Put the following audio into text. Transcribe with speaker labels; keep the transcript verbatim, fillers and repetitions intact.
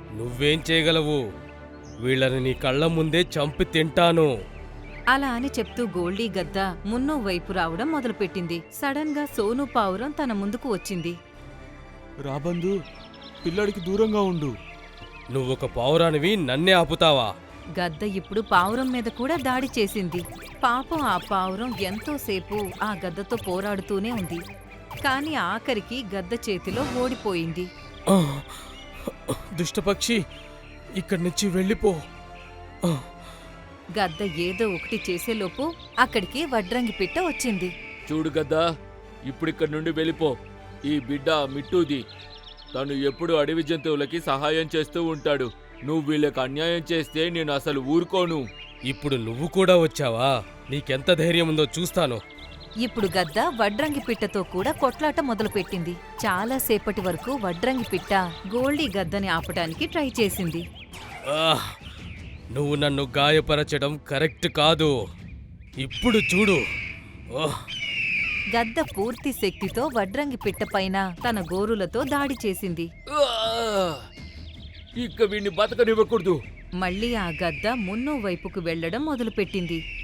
Speaker 1: నువ్వేం చేయగలవు? వీళ్ళని నీ కళ్ళ ముందే చంపి తింటాను.
Speaker 2: అలా అని చెప్తూ గోల్డీ గద్ద మున్నో వైపు రావడం మొదలుపెట్టింది. సడన్ గా సోను పావురం తన ముందుకు వచ్చింది.
Speaker 3: రాబందు, పిల్లడికి దూరంగా ఉండు.
Speaker 1: నువ్వొక పావురానివి, నన్నే ఆపుతావా?
Speaker 2: గద్ద ఇప్పుడు పావురం మీద కూడా దాడి చేసింది. పాపం ఆ పావురం ఎంతోసేపు ఆ గద్దతో పోరాడుతూనే ఉంది. కాని ఆఖరికి గద్ద చేతిలో ఓడిపోయింది.
Speaker 1: ఆ! దుష్టపక్షి, ఇక్కడి నుంచి వెళ్ళిపో. ఆ!
Speaker 2: గద్ద ఏదో ఒకటి చేసేలోపు అక్కడికి వడ్రంగి పిట్ట వచ్చింది.
Speaker 4: చూడు గద్దా, ఇప్పుడిక్కడి నుండి వెళ్ళిపో. ఈ బిడ్డ మిట్టూది. తను ఎప్పుడు అడవి జంతువులకి సహాయం చేస్తూ ఉంటాడు. నువ్వు వీళ్ళకి అన్యాయం చేస్తే నేను అసలు ఊరుకోను.
Speaker 1: ఇప్పుడు నువ్వు కూడా వచ్చావా? నీకెంత ధైర్యం ఉందో చూస్తాను.
Speaker 2: ఇప్పుడు గద్ద వడ్రంగి పిట్టతో కూడా కొట్లాట మొదలుపెట్టింది. చాలాసేపటి వరకు వడ్రంగి పిట్ట గోల్డీ గద్దని ఆపటానికి ట్రై చేసింది.
Speaker 1: ఆహ్! నువ్వు నన్ను గాయపరచడం కరెక్ట్ కాదు. ఇప్పుడు చూడు. ఓహ్!
Speaker 2: గద్ద పూర్తి శక్తితో వడ్రంగి పిట్ట పైన తన గోరులతో దాడి చేసింది.
Speaker 4: ఆ! ఇక వీణ్ణి బతకనివ్వకూడదు.
Speaker 2: మళ్ళీ ఆ గద్ద మున్నో వైపుకు వెళ్లడం మొదలుపెట్టింది.